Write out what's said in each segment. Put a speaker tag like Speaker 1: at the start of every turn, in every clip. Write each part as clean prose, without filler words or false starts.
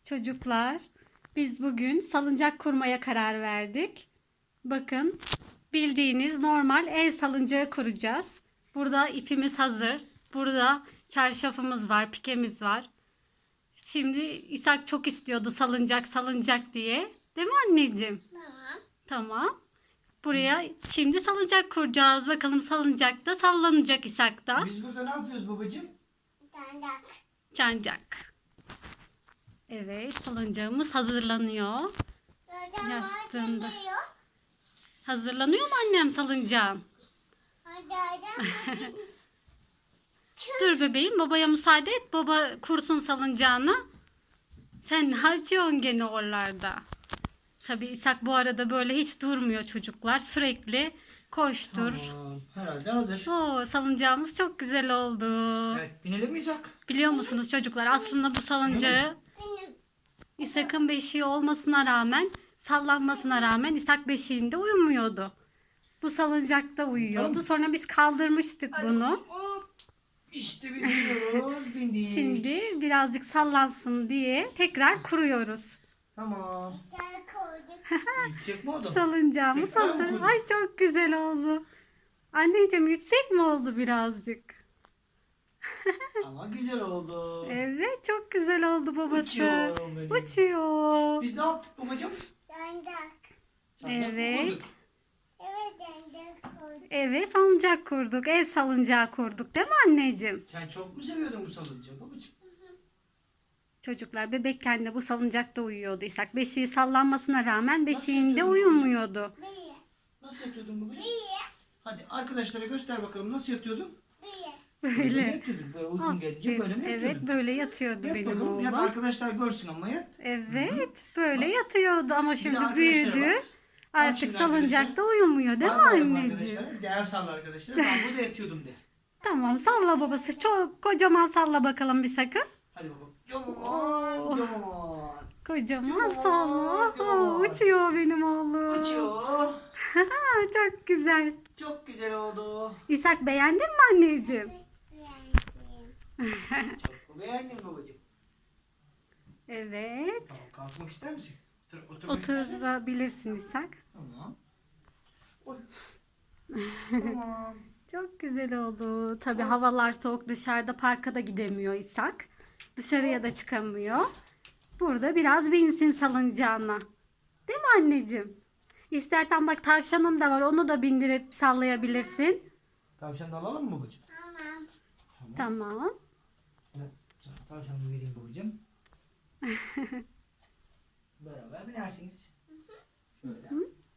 Speaker 1: Çocuklar, biz bugün salıncak kurmaya karar verdik. Bakın, bildiğiniz normal ev salıncağı kuracağız. Burada ipimiz hazır. Burada çarşafımız var, pikemiz var. Şimdi İshak çok istiyordu salıncak diye. Değil mi anneciğim?
Speaker 2: Tamam.
Speaker 1: Tamam. Buraya şimdi salıncak kuracağız. Bakalım salıncakta sallanacak İshak da.
Speaker 3: Biz burada ne yapıyoruz babacığım?
Speaker 2: Dandak.
Speaker 1: Çancak. Evet, salıncağımız hazırlanıyor.
Speaker 2: Buradan
Speaker 1: Yastığında.
Speaker 2: geliyor.
Speaker 1: Hazırlanıyor mu annem salıncağın?
Speaker 2: Hadi.
Speaker 1: Dur bebeğim, babaya müsaade et. Baba kursun salıncağını. Sen ne açıyorsun gene oralarda? Tabii İshak bu arada böyle hiç durmuyor çocuklar. Sürekli koştur.
Speaker 3: Tamam. Herhalde hazır.
Speaker 1: Oo, salıncağımız çok güzel oldu.
Speaker 3: Evet, binelim mi İshak?
Speaker 1: Biliyor musunuz çocuklar, aslında bu salıncağı
Speaker 2: Benim.
Speaker 1: İshak'ın beşiği olmasına rağmen, sallanmasına rağmen İshak beşiğinde uyumuyordu. Bu salıncakta uyuyordu.
Speaker 3: Tamam.
Speaker 1: Sonra biz kaldırmıştık bunu.
Speaker 3: Hop. İşte biz biniyoruz. Bindik.
Speaker 1: Şimdi birazcık sallansın diye tekrar kuruyoruz.
Speaker 3: Tamam.
Speaker 2: Gel koyduk.
Speaker 3: Gidecek mi o da?
Speaker 1: Salıncağımız
Speaker 3: Tekrar mı
Speaker 1: hazır.
Speaker 3: kurdun?
Speaker 1: Ay çok güzel oldu. Anneciğim, yüksek mi oldu birazcık?
Speaker 3: Ama güzel oldu.
Speaker 1: Evet, çok güzel oldu babası.
Speaker 3: Uçuyorum benim.
Speaker 1: Uçuyor.
Speaker 3: Biz ne yaptık babacığım?
Speaker 2: Dandak.
Speaker 3: Sancak mı
Speaker 1: Evet.
Speaker 3: kurduk?
Speaker 2: Evet dandak koyduk.
Speaker 1: Evet, salıncak kurduk. Ev salıncağı kurduk, değil mi anneciğim?
Speaker 3: Sen çok mu seviyordun bu salıncağı babacığım?
Speaker 1: Çocuklar bebekken de bu salıncakta uyuyordu İshak. Beşiği sallanmasına rağmen beşiğinde
Speaker 3: yatıyordun
Speaker 1: uyumuyordu.
Speaker 2: Bir.
Speaker 3: Nasıl yatıyordun babacığım?
Speaker 2: Bir.
Speaker 3: Hadi arkadaşlara göster bakalım nasıl yatıyordun?
Speaker 2: Bir.
Speaker 3: Böyle mi
Speaker 1: Böyle.
Speaker 3: yatıyordun? Böyle uygun gelince böyle mi
Speaker 1: Evet,
Speaker 3: yatıyordun?
Speaker 1: böyle yatıyordu
Speaker 3: Yat
Speaker 1: benim
Speaker 3: bakalım. Yat
Speaker 1: oğlum.
Speaker 3: arkadaşlar görsün ama yat.
Speaker 1: Evet, böyle yatıyordu ama şimdi
Speaker 3: arkadaşlara
Speaker 1: büyüdü.
Speaker 3: bak.
Speaker 1: Artık
Speaker 3: şimdi
Speaker 1: salıncakta uyumuyor, değil mi
Speaker 3: Bay bay
Speaker 1: anneciğim?
Speaker 3: arkadaşlar. Değer salla arkadaşlar. Ben burada yatıyordum de.
Speaker 1: Tamam, salla babası. Çok kocaman salla bakalım bir sakın.
Speaker 3: Hadi baba. Coman,
Speaker 1: Oo.
Speaker 3: coman.
Speaker 1: Kocaman salla.
Speaker 3: Kocaman.
Speaker 1: Uçuyor benim oğlum.
Speaker 3: Uçuyor.
Speaker 1: Çok güzel.
Speaker 3: Çok güzel oldu.
Speaker 1: İshak, beğendin mi anneciğim?
Speaker 2: Beğendim.
Speaker 3: Çok beğendim babacığım.
Speaker 1: Evet.
Speaker 3: Tamam, kalkmak ister misin? Oturmak istersen.
Speaker 1: Oturabilirsin İshak.
Speaker 3: Tamam. Oy. Tamam.
Speaker 1: Çok güzel oldu. Tabii havalar soğuk, dışarıda parka da gidemiyor İshak. Dışarıya da çıkamıyor. Burada biraz binsin salıncağına. Değil mi anneciğim? İstersen bak, tavşanım da var. Onu da bindirip sallayabilirsin.
Speaker 3: Tavşan da alalım mı babacığım?
Speaker 2: Tamam.
Speaker 1: Tamam.
Speaker 3: Evet. Tavşanı vereyim babacığım. Beraber binersiniz. Şöyle.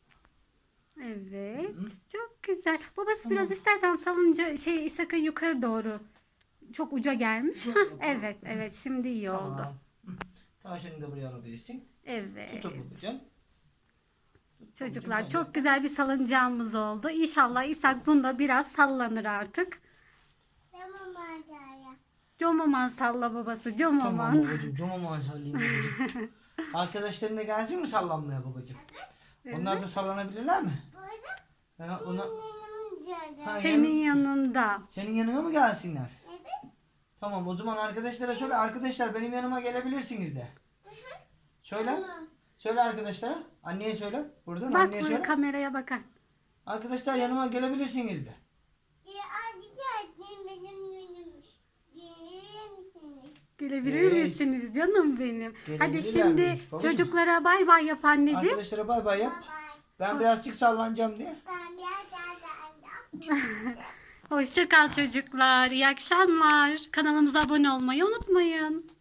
Speaker 1: Evet.
Speaker 3: Hı.
Speaker 1: Çok güzel. Babası
Speaker 3: Tamam.
Speaker 1: biraz istersen salınca İshak'ı yukarı doğru. Çok uca gelmiş.
Speaker 3: Çok
Speaker 1: Hah,
Speaker 3: yapalım.
Speaker 1: evet şimdi iyi oldu.
Speaker 3: Tamam. Hı. Tavşanı da buraya alabilirsin.
Speaker 1: Evet.
Speaker 3: Tut babacığım.
Speaker 1: Çocuklar,
Speaker 3: Babacığım,
Speaker 1: çok güzel bir salıncağımız oldu. İnşallah İshak bunda biraz sallanır artık.
Speaker 2: Tamam Adaya.
Speaker 1: Comaman salla babası,
Speaker 3: Tamam
Speaker 1: comaman.
Speaker 3: babacığım. Comaman sallayayım babacığım. Arkadaşların da gelsin mi sallanmaya babacığım? Onlar da sallanabilirler mi?
Speaker 2: Burada
Speaker 3: Ha, ona...
Speaker 2: benim gördüm.
Speaker 3: Ha,
Speaker 1: Senin yanında.
Speaker 3: Senin yanına mı gelsinler?
Speaker 2: Evet.
Speaker 3: Tamam, o zaman arkadaşlara söyle. Arkadaşlar benim yanıma gelebilirsiniz de. Söyle.
Speaker 2: Tamam.
Speaker 3: Söyle arkadaşlara. Anneye söyle. Buradan
Speaker 1: Bak
Speaker 3: anneye
Speaker 1: buraya,
Speaker 3: söyle.
Speaker 1: kameraya bakar.
Speaker 3: Arkadaşlar yanıma gelebilirsiniz de.
Speaker 2: Benim gelir misiniz?
Speaker 1: Gelebilir
Speaker 3: Evet.
Speaker 1: misiniz canım benim? Hadi
Speaker 3: Gelebilirlermiş
Speaker 1: şimdi
Speaker 3: babacığım.
Speaker 1: çocuklara bay bay yap anneciğim.
Speaker 3: Arkadaşlara bay bay yap.
Speaker 2: Bye bye.
Speaker 3: Ben birazcık sallanacağım diye.
Speaker 2: Ben biraz daha.
Speaker 1: Hoşça kal çocuklar. İyi akşamlar. Kanalımıza abone olmayı unutmayın.